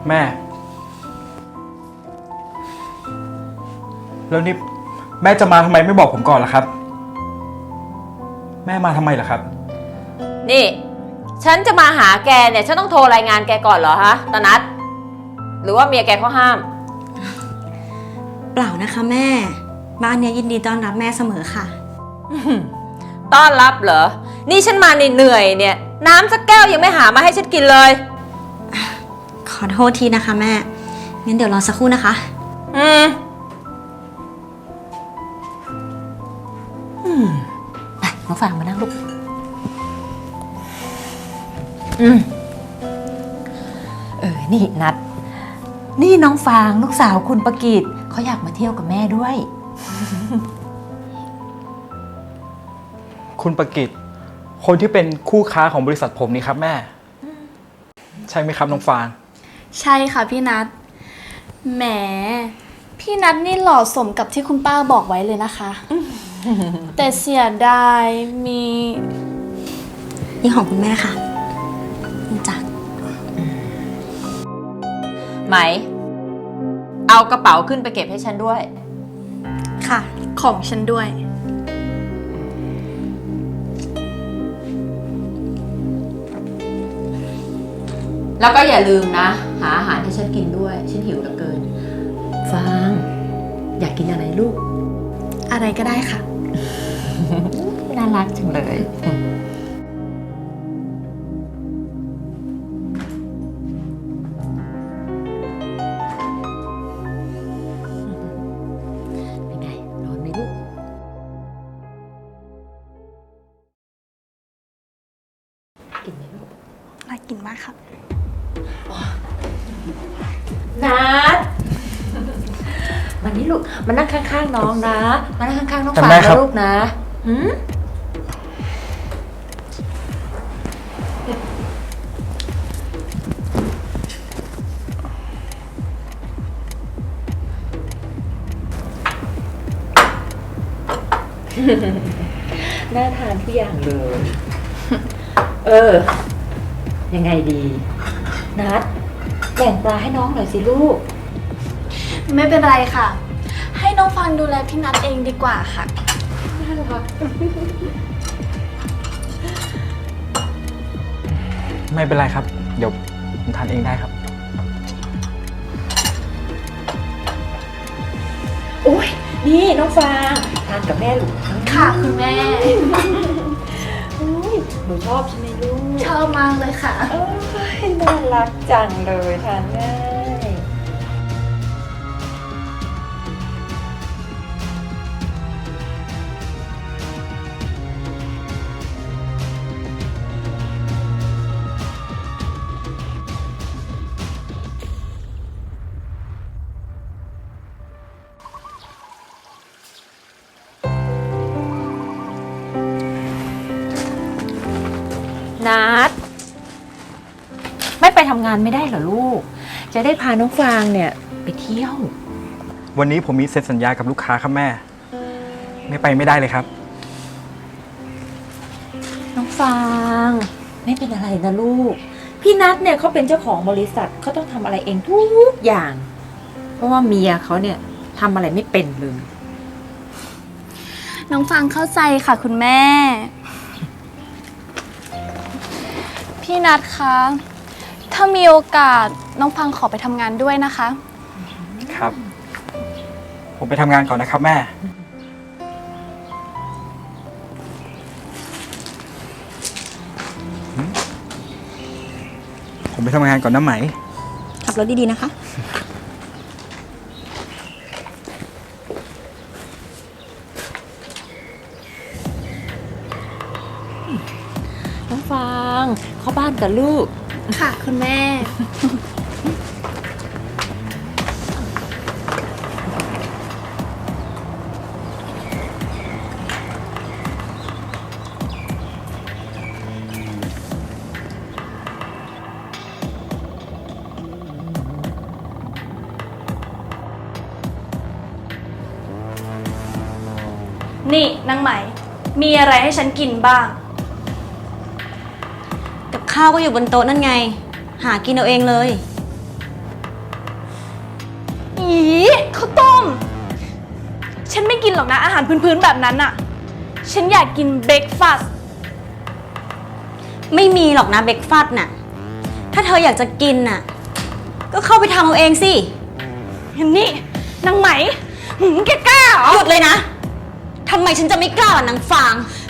แม่แล้วนี่แม่จะมาทำไมไม่บอกผมก่อนล่ะครับแม่มาทำไมล่ะครับนี่ฉันจะมาหาแกเนี่ยฉันต้องโทรรายงานแกก่อนเหรอฮะตานัทหรือว่าเมียแกเขาห้ามเปล่านะคะแม่บ้านเนี้ยยินดีต้อนรับแม่เสมอค่ะต้อนรับเหรอนี่ฉันมาเหนื่อยเนี่ยน้ำสักแก้วยังไม่หามาให้ฉันกินเลยขอโทษทีนะคะแม่งั้นเดี๋ยวรอสักครู่นะคะไปน้องฟางมานั่งลูกนี่นัดนี่น้องฟางลูกสาวคุณประกิตเขาอยากมาเที่ยวกับแม่ด้วยคุณประกิตคนที่เป็นคู่ค้าของบริษัทผมนี่ครับแม่ใช่ไหมครับน้องฟางใช่ค่ะพี่นัทแหมพี่นัทนี่หล่อสมกับที่คุณป้าบอกไว้เลยนะคะแต่เสียดายนี่ของคุณแม่ค่ะนี่จ้ะไหมเอากระเป๋าขึ้นไปเก็บให้ฉันด้วยค่ะของฉันด้วยแล้วก็อย่าลืมนะหาอาหารให้ฉันกินด้วยฉันหิวเหลือเกินฟางอยากกินอะไรลูกอะไรก็ได้ค่ะน่ารักจังเลยเป็นไงร้อนไหมลูกกินไหมลูกน่ากินมากค่ะนัดวันนี้ลูกมานั่งข้างๆน้องนะมานั่งข้างๆน้องฟางนะลูกนะน่าทานทุกอย่างเลยยังไงดีนัดแบ่งปลาให้น้องหน่อยสิลูกไม่เป็นไรค่ะให้น้องฟังดูแลพี่นัทเองดีกว่าค่ะน่ารักไม่เป็นไรครับเดี๋ยวผมทานเองได้ครับโอ้ยนี่น้องฟางทานกับแม่ลูกค่ะคุณแม่หนูชอบใช่ไหมลูกชอบมากเลยค่ะน่ารักจังเลยทานง่ายนัดไม่ไปทำงานไม่ได้เหรอลูกจะได้พาน้องฟางเนี่ยไปเที่ยววันนี้ผมมีเซ็นสัญญากับลูกค้าครับแม่ไม่ไปไม่ได้เลยครับน้องฟางไม่เป็นอะไรนะลูกพี่นัทเนี่ยเขาเป็นเจ้าของบริษัทเขาต้องทำอะไรเองทุกอย่างเพราะว่าเมียเขาเนี่ยทำอะไรไม่เป็นเลยน้องฟางเข้าใจค่ะคุณแม่พี่นัทคะถ้ามีโอกาสน้องฟังขอไปทำงานด้วยนะคะครับผมไปทำงานก่อนนะครับแม่ผมไปทำงานก่อนนะไหมขับรถดีๆนะคะน้องฟางเข้าบ้านกับลูกค่ะคุณแม่นี่นางไหมมีอะไรให้ฉันกินบ้างกับข้าวก็อยู่บนโต๊ะนั่นไงหากินเอาเองเลยข้าวต้ม ฉันไม่กินหรอกนะอาหารพื้นๆแบบนั้นอะฉันอยากกินเบรกฟาสต์ไม่มีหรอกนะเบรกฟาสต์น่ะ ถ้าเธออยากจะกินน่ะ ก็เข้าไปทำเอาเองสินี่นางไหมแกกล้าเหรอหยุดเลยนะ ทำไมฉันจะไม่กล้าล่ะนางฟาง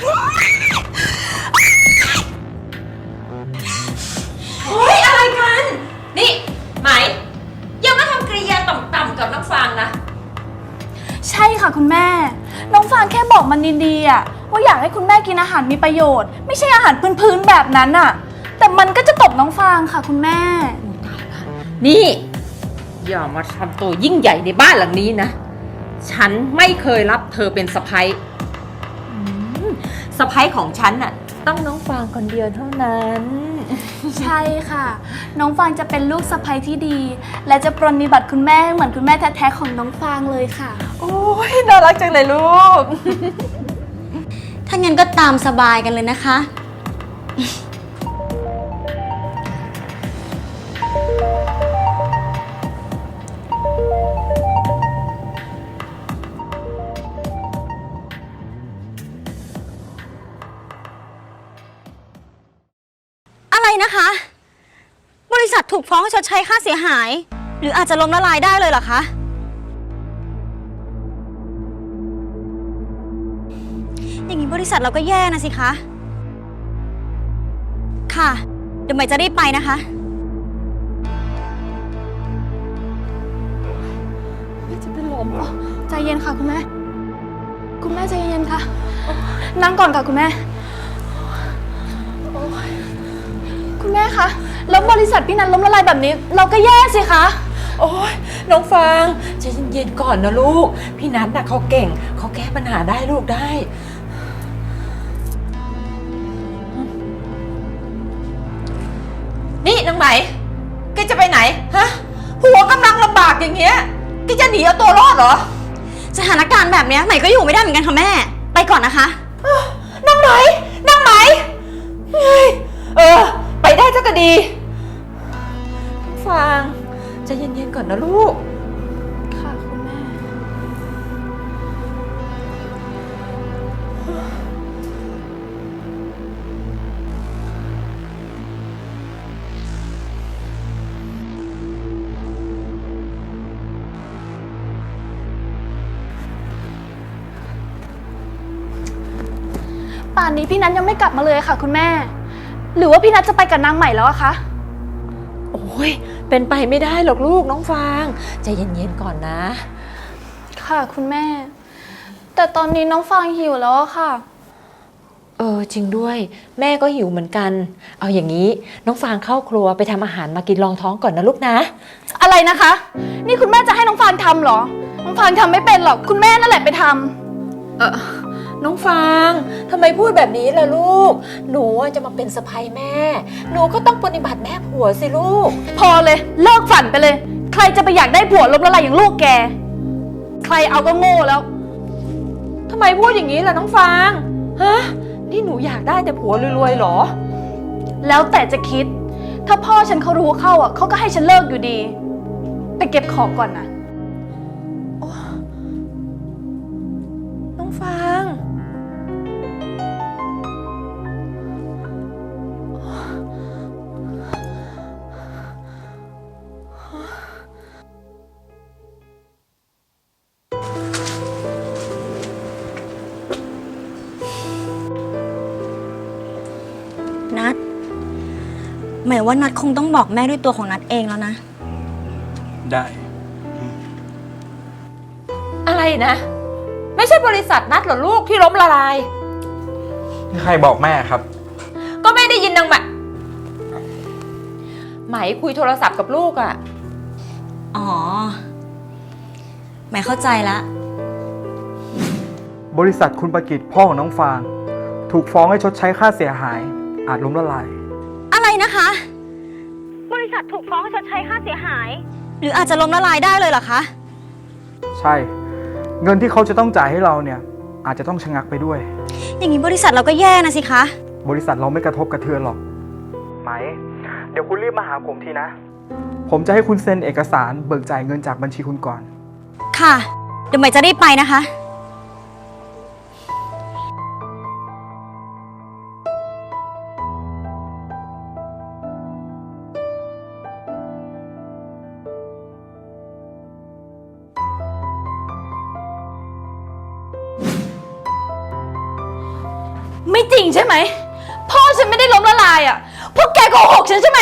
เฮ้ยอะไรกัน นี่ไหมอย่ามาทำกริยาต่ำๆกับน้องฟางนะใช่ค่ะคุณแม่ น้องฟางแค่บอกมันดีๆอะว่าอยากให้คุณแม่กินอาหารมีประโยชน์ ไม่ใช่อาหารพื้นๆแบบนั้นอะแต่มันก็จะตบน้องฟางค่ะคุณแม่นี่อย่ามาทำตัวยิ่งใหญ่ในบ้านหลังนี้นะ ฉันไม่เคยรับเธอเป็นสะใภ้สะใภ้ของฉันน่ะต้องน้องฟางคนเดียวเท่านั้นใช่ค่ะ น้องฟางจะเป็นลูกสะใภ้ที่ดี และจะปรนนิบัติคุณแม่เหมือนคุณแม่แท้ๆของน้องฟางเลยค่ะโอ้ยน่ารักจังเลยลูกถ้างั้นก็ตามสบายกันเลยนะคะ อะไรนะคะ บริษัทถูกฟ้องให้ชดใช้ค่าเสียหาย หรืออาจจะล้มละลายได้เลยเหรอคะ อย่างนี้บริษัทเราก็แย่นะสิคะ ค่ะ เดี๋ยวใหม่จะรีบไปนะคะใจเย็นค่ะคุณแม่ คุณแม่ใจเย็นค่ะ นั่งก่อนค่ะคุณแม่ คุณแม่คะ แล้วบริษัทพี่นันล้มละลายแบบนี้ เราก็แย่สิคะโอ้ยน้องฟางใจเย็นๆก่อนนะลูก พี่นัทน่ะเขาเก่ง เขาแก้ปัญหาได้ลูกได้ นี่นางไหมแกจะไปไหนฮะผัวกำลังลำบากอย่างเงี้ยแกจะหนีเอาตัวรอดเหรอสถานการณ์แบบเนี้ยใหม่ก็อยู่ไม่ได้เหมือนกันค่ะแม่ ไปก่อนนะคะนางไหมเฮ้ยไปได้เจ้าก็ดีน้องฟางใจเย็นๆก่อนนะลูกค่ะคุณแม่ ป่านนี้พี่นัทยังไม่กลับมาเลยค่ะคุณแม่ หรือว่าพี่นัทจะไปกับนางใหม่แล้วอะคะโอ้ยเป็นไปไม่ได้หรอกลูกน้องฟางใจเย็นๆก่อนนะค่ะคุณแม่ แต่ตอนนี้น้องฟางหิวแล้วอะค่ะจริงด้วยแม่ก็หิวเหมือนกัน เอาอย่างนี้น้องฟางเข้าครัวไปทำอาหารมากินรองท้องก่อนนะลูกนะอะไรนะคะ นี่คุณแม่จะให้น้องฟางทำเหรอ น้องฟางทำไม่เป็นหรอก คุณแม่นั่นแหละไปทำน้องฟางทำไมพูดแบบนี้ล่ะลูกหนูจะมาเป็นสะใภ้แม่หนูก็ต้องปฏิบัติแม่ผัวสิลูกพอเลย เลิกฝันไปเลย ใครจะไปอยากได้ผัวล้มละลายอย่างลูกแก ใครเอาก็โง่แล้วทำไมพูดอย่างนี้ล่ะน้องฟางฮะนี่หนูอยากได้แต่ผัวรวยๆเหรอแล้วแต่จะคิด ถ้าพ่อฉันเขารู้เข้าอ่ะเขาก็ให้ฉันเลิกอยู่ดี ไปเก็บของก่อนนะน้องฟางนัดหมายว่านัดคงต้องบอกแม่ด้วยตัวของนัดเองแล้วนะได้อะไรนะ ไม่ใช่บริษัทนัดเหรอลูกที่ล้มละลายใครบอกแม่ครับก็ไม่ได้ยินนางไหมคุยโทรศัพท์กับลูกอ่ะอ๋อหมายเข้าใจละบริษัทคุณประกิตพ่อของน้องฟาง ถูกฟ้องให้ชดใช้ค่าเสียหาย อาจล้มละลายอะไรนะคะ บริษัทถูกฟ้องให้ชดใช้ค่าเสียหาย หรืออาจจะล้มละลายได้เลยเหรอคะใช่ เงินที่เขาจะต้องจ่ายให้เราเนี่ย อาจจะต้องชะงักไปด้วยอย่างนี้บริษัทเราก็แย่นะสิคะบริษัทเราไม่กระทบกระเทือนหรอก ไหม เดี๋ยวคุณรีบมาหาผมทีนะ ผมจะให้คุณเซ็นเอกสารเบิกจ่ายเงินจากบัญชีคุณก่อนค่ะ เดี๋ยวใหม่จะรีบไปนะคะไม่จริงใช่ไหม พ่อฉันไม่ได้ล้มละลายอ่ะ พวกแกโกหกฉันใช่ไหม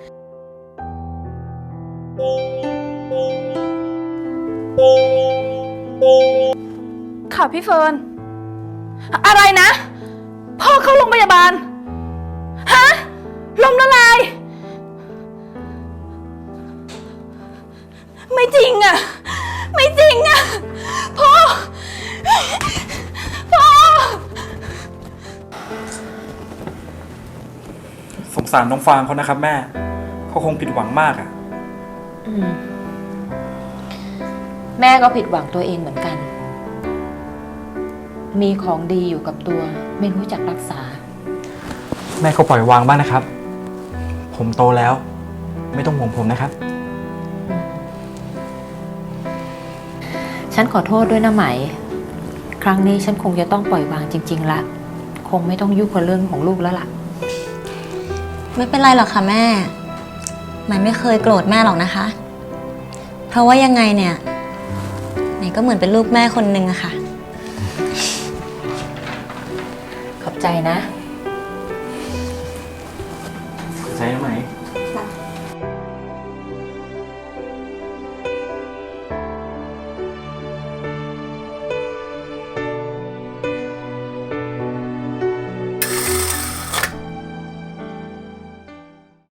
ค่ะพี่เฟิร์น อะไรนะ พ่อเข้าโรงพยาบาล ฮะ ล้มละลาย ไม่จริงอ่ะ ไม่จริงอ่ะ พ่อ พ่อสงสารน้องฟางเขานะครับแม่ เขาคงผิดหวังมากอะแม่ก็ผิดหวังตัวเองเหมือนกัน มีของดีอยู่กับตัว ไม่รู้จักรักษาแม่ก็ปล่อยวางบ้างนะครับ ผมโตแล้ว ไม่ต้องห่วงผมนะครับฉันขอโทษด้วยนะไหม ครั้งนี้ฉันคงจะต้องปล่อยวางจริงๆละ คงไม่ต้องยุ่งกับเรื่องของลูกแล้วล่ะไม่เป็นไรหรอกค่ะแม่ใหม่ไม่เคยโกรธแม่หรอกนะคะ เพราะว่ายังไงเนี่ยใหม่ก็เหมือนเป็นลูกแม่คนหนึ่งอะค่ะขอบใจนะใช่ไหม